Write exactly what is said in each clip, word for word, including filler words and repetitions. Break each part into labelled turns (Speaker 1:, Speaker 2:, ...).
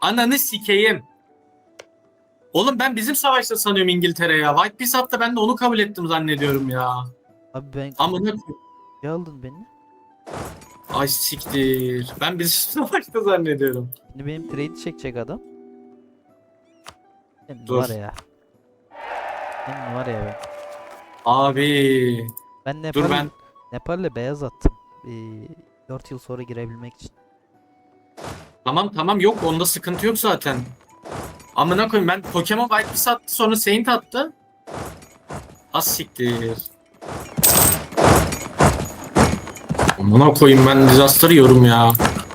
Speaker 1: Ananı sikeyim. Oğlum ben bizim savaşta sanıyorum İngiltere ya. White Peace hatta ben de onu kabul ettim zannediyorum ya.
Speaker 2: Abi ben
Speaker 1: Amına
Speaker 2: ne aldın beni?
Speaker 1: ay siktir. Ben bizim savaşta zannediyorum.
Speaker 2: Şimdi benim trade çekecek adam. Senin
Speaker 1: Dur.
Speaker 2: var ya. Senin var ya ben.
Speaker 1: Abi.
Speaker 2: Ben
Speaker 1: Dur
Speaker 2: Nepal,
Speaker 1: ben.
Speaker 2: Nepal'le beyaz attım. Ee, dört yıl sonra girebilmek için.
Speaker 1: Tamam tamam yok onda sıkıntı yok zaten. Amına koyayım ben Pokemon White Peace attı sonra Saint attı. Az siktir. Amına koyayım ben Disaster'ı yiyorum ya.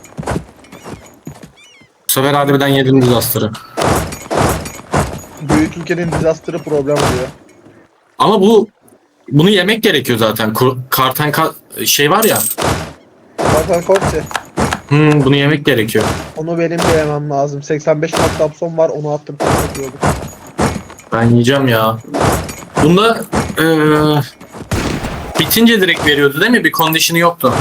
Speaker 1: Bu sefer harbiden yedim Disaster'ı.
Speaker 3: Büyük ülkenin disaster'ı problem oluyor.
Speaker 1: Ama bu bunu yemek gerekiyor zaten. Kur- Karten ka- şey var ya.
Speaker 3: Zaten Korkçe.
Speaker 1: Hmm, bunu yemek gerekiyor.
Speaker 3: Onu benim de yemem lazım. seksen beş mat Dabson var, onu attım. Çok kötü oldu.
Speaker 1: Ben yiyeceğim ya. Bunda eee, bitince direkt veriyordu değil mi? Bir condition'ı yoktu.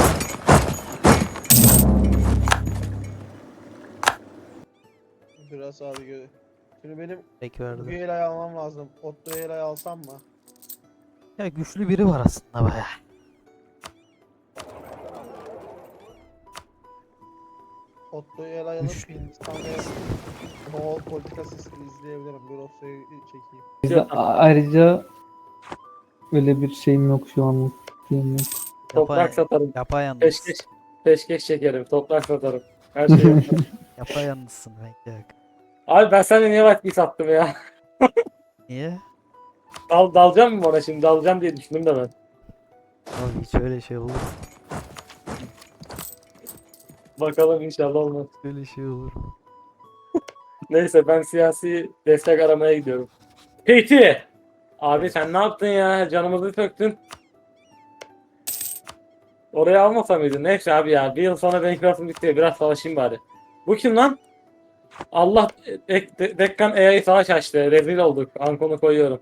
Speaker 3: Biraz abi gö. Şimdi benim
Speaker 2: Peki verdi.
Speaker 3: Güela'yı almam lazım. Otto Güela'yı alsam mı?
Speaker 2: Ya güçlü biri var aslında baya.
Speaker 3: Otto Güela'yı alıp
Speaker 2: Üç.
Speaker 3: Hindistan ve Moğol politikası izleyebilirim. Bir Otto'yu çekeyim.
Speaker 4: Bize a- ayrıca öyle bir şeyim yok şu anlık. Şeyim yok.
Speaker 5: Toprak satarım.
Speaker 2: Yapayalnız.
Speaker 5: Peşkeş, peşkeş çekerim. Toprak satarım. Her şeyi yaparım.
Speaker 2: Yapayalnızsın bekle bak.
Speaker 5: Abi ben sana niye vakti sattım ya?
Speaker 2: Niye?
Speaker 5: Dal, dalacağım mı ona şimdi? Dalacağım diye düşündüm de ben.
Speaker 2: Abi hiç öyle şey olur mu?
Speaker 5: Bakalım inşallah olmaz.
Speaker 2: Öyle şey olur mu?
Speaker 5: Neyse ben siyasi destek aramaya gidiyorum. Peyti! Abi sen ne yaptın ya? Canımızı söktün. Oraya almasa mıydın? Neyse abi ya. Bir yıl sonra benim klasım bitti. Biraz savaşayım bari. Bu kim lan? Allah Dek- De- Dekkan A I savaş açtı. Rezil olduk. Ankon'u koyuyorum.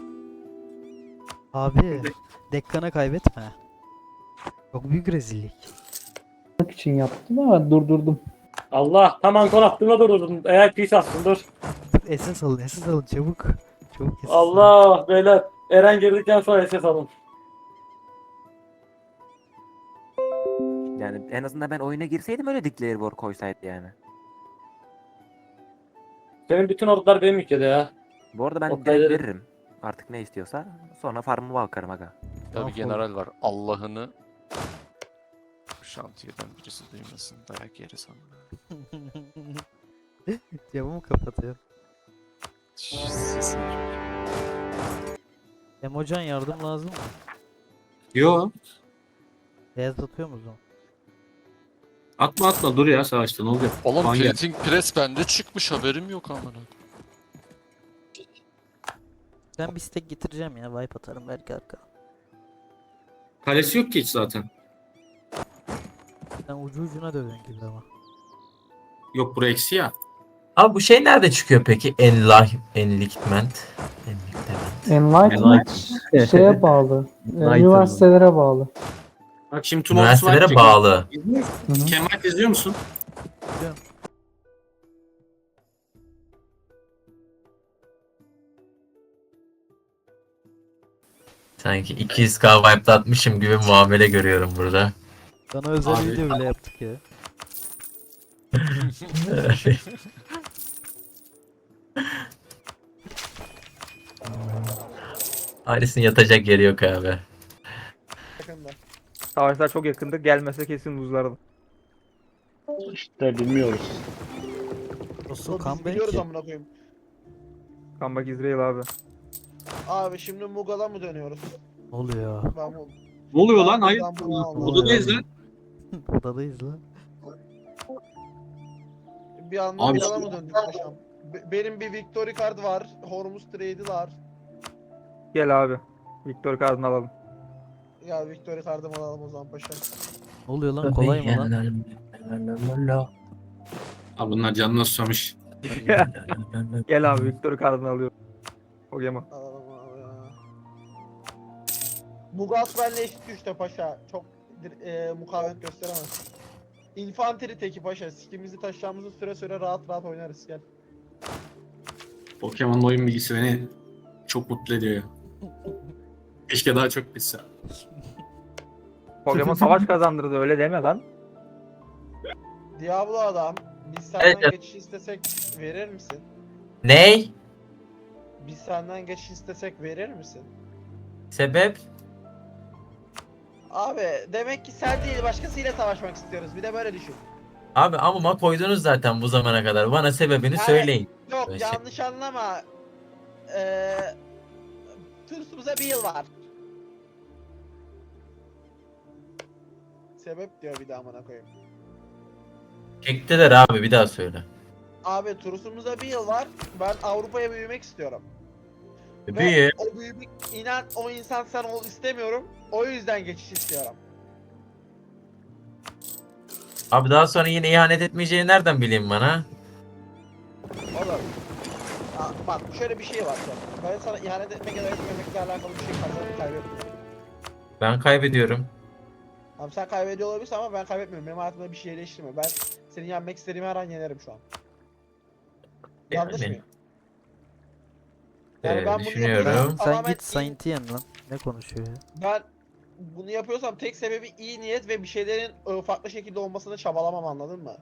Speaker 2: Abi Dekkan'a kaybetme. Çok büyük rezillik.
Speaker 4: Bak için yaptım ama durdurdum.
Speaker 5: Allah tam Ankon attığımda durdurdun. A I peace atsın dur.
Speaker 2: Dur S S alın S S alın çabuk. Çabuk S S alın.
Speaker 5: Allah beyler. Eren girdikten sonra S S alın.
Speaker 6: Yani en azından ben oyuna girseydim öyle Declare War koysaydı yani.
Speaker 5: Senin bütün ordular benim ülkede ya.
Speaker 6: Bu arada ben
Speaker 5: O
Speaker 6: direkt
Speaker 5: kadar-
Speaker 6: veririm. Artık ne istiyorsa. Sonra farmımı bakarım aga.
Speaker 2: Tamam,
Speaker 7: Tabii general var. Allah'ını şantiyeden birisi duymasın. Dayak yeriz ama.
Speaker 2: Camımı kapatıyorum.
Speaker 7: Şşş, sesin çok.
Speaker 2: Emocan yardım lazım mı?
Speaker 1: Yo.
Speaker 2: Beyaz atıyor musun?
Speaker 1: Atma atma dur ya savaşta ne olacak?
Speaker 7: Oğlum
Speaker 1: Hangi-
Speaker 7: printing press bende çıkmış haberim yok amına.
Speaker 2: Ben bir stack getireceğim ya. Wipe atarım belki arka.
Speaker 1: Kalesi yok ki hiç zaten.
Speaker 2: Sen ucu ucuna dövün gibi ama.
Speaker 1: Yok bura eksi ya.
Speaker 8: Abi bu şey nerede çıkıyor peki? Enlight, Enlightenment. Enlightenment.
Speaker 4: Enlightenment şeye bağlı. e, Üniversitelere bağlı.
Speaker 1: Bak şimdi Tomorrow
Speaker 8: Üniversitelere
Speaker 1: Swipe
Speaker 8: bağlı.
Speaker 1: İzliyor musun?
Speaker 4: Hı hı.
Speaker 1: Kemal izliyor musun?
Speaker 8: Sanki iki yüz K wipe'latmışım gibi muamele görüyorum burada.
Speaker 2: Sana özel
Speaker 1: Abi-
Speaker 2: video bile yaptık ya.
Speaker 8: Ailesinin yatacak yeri yok abi.
Speaker 3: Yakında.
Speaker 9: Savaşlar çok yakındı. Gelmese kesin buzlardı.
Speaker 3: İşte bilmiyoruz.
Speaker 2: Nasıl
Speaker 3: Biz
Speaker 2: comeback
Speaker 3: biliyoruz
Speaker 2: ki?
Speaker 3: amına koyayım.
Speaker 9: Comeback İsrail abi.
Speaker 3: Abi şimdi Mughal mı dönüyoruz?
Speaker 2: Ne oluyor?
Speaker 3: Ben bu
Speaker 1: Ne oluyor lan?
Speaker 3: Ben
Speaker 1: Hayır.
Speaker 3: buradan bunu aldım.
Speaker 1: Odadayız lan.
Speaker 2: Odadayız lan.
Speaker 3: bir anda
Speaker 1: Abi-
Speaker 3: Mughal'a mı döndük paşam? Be- benim bir Victory card var. Hormuz Trade'i var.
Speaker 9: Gel abi. Victor Card'ını alalım.
Speaker 3: Ya Victory card'ımı alalım o zaman paşam.
Speaker 2: Ne oluyor lan? Kolay mı lan?
Speaker 1: Abi bunlar canına susamış.
Speaker 9: Gel abi Victor Card'ını alıyorum. Pokemon.
Speaker 3: Alalım abi ya. Mughal benle eşit güçte paşa. Çok dir- e, mukavemet gösteremez. infantry teki paşa. Sikimizi taşıyacağımızı süre süre rahat rahat oynarız gel.
Speaker 1: Pokemon'un oyun bilgisi beni çok mutlu ediyor ya. Keşke daha çok bilse.
Speaker 9: Pokemon savaş kazandırdı öyle deme lan.
Speaker 3: Diablo adam, biz senden
Speaker 8: Evet, evet.
Speaker 3: geçiş istesek verir misin?
Speaker 8: Ney?
Speaker 3: Biz senden geçiş istesek verir misin?
Speaker 8: Sebep?
Speaker 3: Abi demek ki sen değil başkasıyla savaşmak istiyoruz. Bir de böyle düşün.
Speaker 8: Abi amıma koydunuz zaten bu zamana kadar. Bana sebebini
Speaker 3: Yani-
Speaker 8: söyleyin.
Speaker 3: Yok
Speaker 8: Böyle şey-
Speaker 3: yanlış anlama. Eee Tursumuza bir yıl var. Sebep diyor bir daha amına koyayım.
Speaker 8: Çektiler abi, bir daha söyle.
Speaker 3: Abi Tursumuza bir yıl var. Ben Avrupa'ya büyümek istiyorum. Ve
Speaker 8: Bir.
Speaker 3: o büyümek inan o insan sen ol istemiyorum. O yüzden geçiş istiyorum.
Speaker 8: Abi daha sonra yine ihanet etmeyeceğini nereden bileyim bana?
Speaker 3: Oğlum. Aa, bak şöyle bir şey var. Bak. Ben sana ihanet etmek ya da etmemekle alakalı bir şey kazanıp kaybetmiyorum.
Speaker 8: Ben kaybediyorum.
Speaker 3: Abi sen kaybediyor olabilirsin ama ben kaybetmiyorum. Benim hayatımda bir şey değiştirmiyor. Ben seni yenmek istediğim her an yenerim şu an. Yanlış
Speaker 8: Yani.
Speaker 3: mıyım? Yani
Speaker 8: Ee,
Speaker 3: ben bunu
Speaker 8: düşünüyorum.
Speaker 3: yapıyorum.
Speaker 2: Sen
Speaker 3: Tamamen
Speaker 2: git Saint'i yen lan. Ne konuşuyor ya?
Speaker 3: Ben bunu yapıyorsam tek sebebi iyi niyet ve bir şeylerin e, farklı şekilde olmasını çabalamam, anladın mı?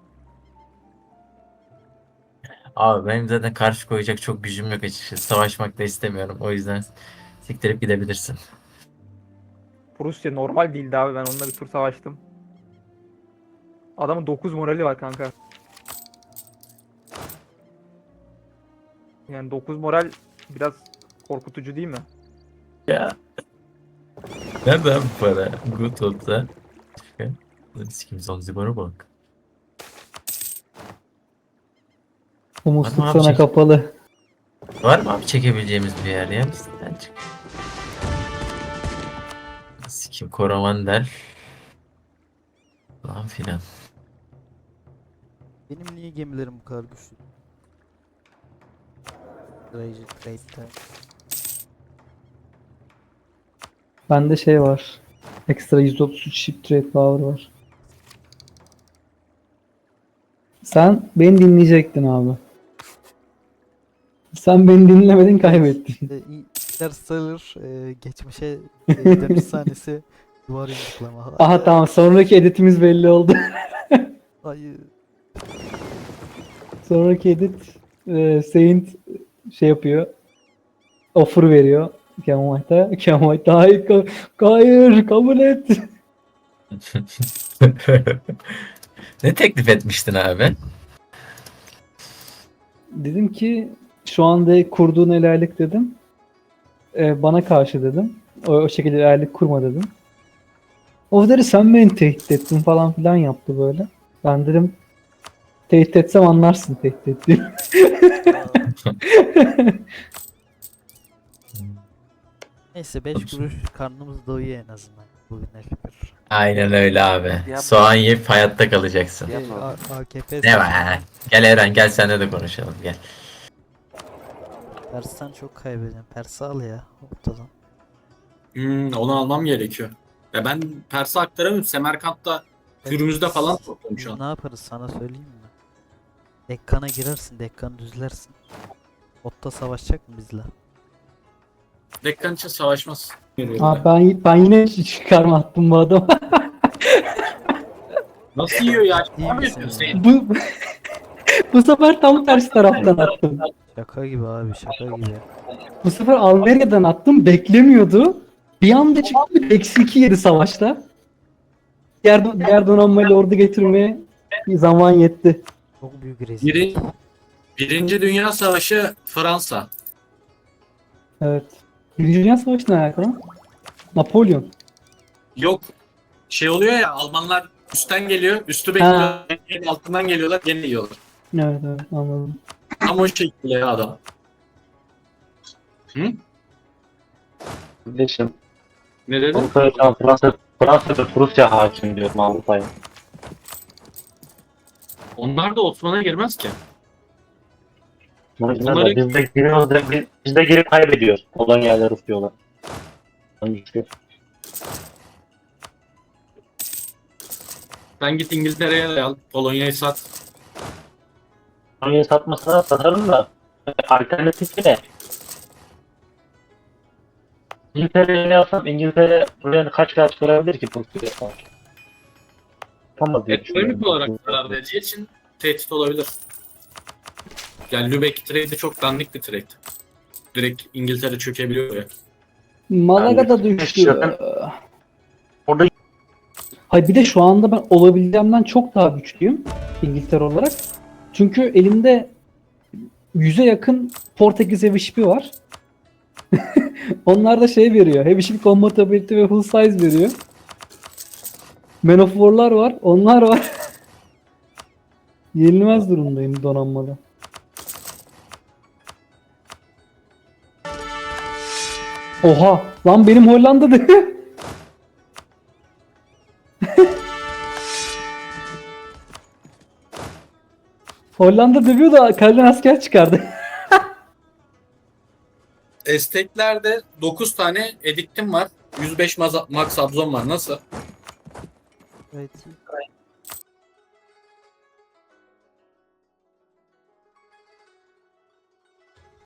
Speaker 8: Abi benim zaten karşı koyacak çok gücüm yok açıkçası. Savaşmak da istemiyorum. O yüzden siktirip gidebilirsin.
Speaker 9: Prusya normal değildi abi, ben onunla bir tur savaştım. Adamın dokuz morali var kanka. Yani dokuz moral biraz korkutucu değil mi?
Speaker 8: Ya. Nereden bu para? Good olsa. Sikim Zanzibar'a bak.
Speaker 4: Bu musluk
Speaker 8: Tamam abi,
Speaker 4: sana
Speaker 8: çek.
Speaker 4: kapalı.
Speaker 8: Var mı abi çekebileceğimiz bir yer ya? Sen çık. Sikim Koromander. Falan filan.
Speaker 2: Benim niye gemilerim bu kadar güçlü? Rage Trade'de.
Speaker 4: Bende şey var. Ekstra yüz otuz üç ship trade power var. Sen beni dinleyecektin abi. Sen beni dinlemedin, kaybettin.
Speaker 2: E, Interstellar e, geçmişe e, dönüş sahnesi duvar yumruklama.
Speaker 4: Aha tamam, sonraki editimiz belli oldu.
Speaker 2: Hayır.
Speaker 4: Sonraki edit e, Saint şey yapıyor. Offer veriyor. Kemal'da. Kemal'da hayır, ka- hayır kabul et.
Speaker 8: Ne teklif etmiştin abi?
Speaker 4: Dedim ki şu anda kurduğun helallik dedim. E, bana karşı dedim. O, o şekilde helallik kurma dedim. O dedi sen beni tehdit ettin falan filan yaptı böyle. Ben dedim tehdit etsem anlarsın tehdit ettiğimi.
Speaker 2: Neyse beş kuruş karnımız doyuyor en azından. Bugüne şükür.
Speaker 8: Aynen öyle abi.
Speaker 6: Yapma.
Speaker 8: Soğan yiyip hayatta kalacaksın.
Speaker 2: E,
Speaker 6: Yapma.
Speaker 2: A- A K P
Speaker 8: Ne var? Gel Eren, gel seninle de konuşalım, gel.
Speaker 2: Pers'ten çok kaybedeceğim. Pers'i al ya ortadan.
Speaker 1: Hmm, onu almam gerekiyor. Ya ben Pers'e aktaramıyorum. Semerkant'ta Hürmüz'de falan topladım şu
Speaker 2: Biz
Speaker 1: an.
Speaker 2: ne yaparız sana söyleyeyim mi? Dekkan'a girersin, Dekkan'ı düzlersin. Otta savaşacak mı bizle?
Speaker 1: Dekkan için savaşmaz.
Speaker 4: Aa, ben, ben yine çıkarma attım bu adama.
Speaker 1: Nasıl yiyor ya?
Speaker 2: İyi
Speaker 1: Ne
Speaker 2: misin
Speaker 1: yapıyorsun
Speaker 2: ya?
Speaker 1: sen?
Speaker 4: bu, bu sefer tam tersi taraftan attım.
Speaker 2: Şaka gibi abi, şaka gibi.
Speaker 4: Bu sefer Almeria'dan attım, beklemiyordu. Bir anda çıktı, eksi iki yedi savaşta. Diğer, diğer donanmayla ordu getirmeye bir zaman yetti.
Speaker 2: Çok büyük rezillik.
Speaker 1: Biri, Birinci Dünya Savaşı Fransa.
Speaker 4: Evet. Birinci Dünya Savaşı'na alakalı. Napolyon.
Speaker 1: Yok. Şey oluyor ya, Almanlar üstten geliyor, üstü bekliyor, altından geliyorlar, gene yiyorlar.
Speaker 4: Evet evet, anladım.
Speaker 1: Tam o şekilde ya adam. Hı?
Speaker 10: Kardeşim,
Speaker 1: Ne dedin?
Speaker 10: Avrupa'ya Fransa, Fransa ve Prusya hakim diyorum Avrupa'ya.
Speaker 1: Onlar da Osman'a girmez ki.
Speaker 10: Bunları...
Speaker 1: Bunları-
Speaker 10: Biz de giriyoruz da biz, biz de girip kaybediyoruz. Olan yerler tutuyorlar. Hangisi?
Speaker 1: Sen git İngiltere'ye de al. Polonya'yı sat.
Speaker 10: Onu satmasına satarım da alternatifi ne? İngiltere'ye ne yapsam İngiltere buraya kaç kaç çıkarabilir ki Türkiye? Yapamaz diye düşünüyorum.
Speaker 1: Ekonomik olarak zarar vereceği için tehdit olabilir. Yani Lübeck trade'i çok dandik bir trade. Direkt İngiltere çökebiliyor ya.
Speaker 4: Malaga da
Speaker 10: Yani
Speaker 4: düştü.
Speaker 10: şaka- Orada
Speaker 4: Hayır bir de şu anda ben olabileceğimden çok daha güçlüyüm İngiltere olarak. Çünkü elimde yüze yakın Portekiz Heavy Ship'i var. Onlar da şey veriyor. Heavy Ship Compatibility ve Full Size veriyor. Man of War'lar var. Onlar var. Yenilmez durumdayım donanmada. Oha! Lan benim Hollanda'da. Hollanda dövüyor da kaleden asker çıkardı.
Speaker 1: Esteklerde dokuz tane ediktim var. yüz beş maza- max abzon var. Nasıl?
Speaker 2: Gayet iyi.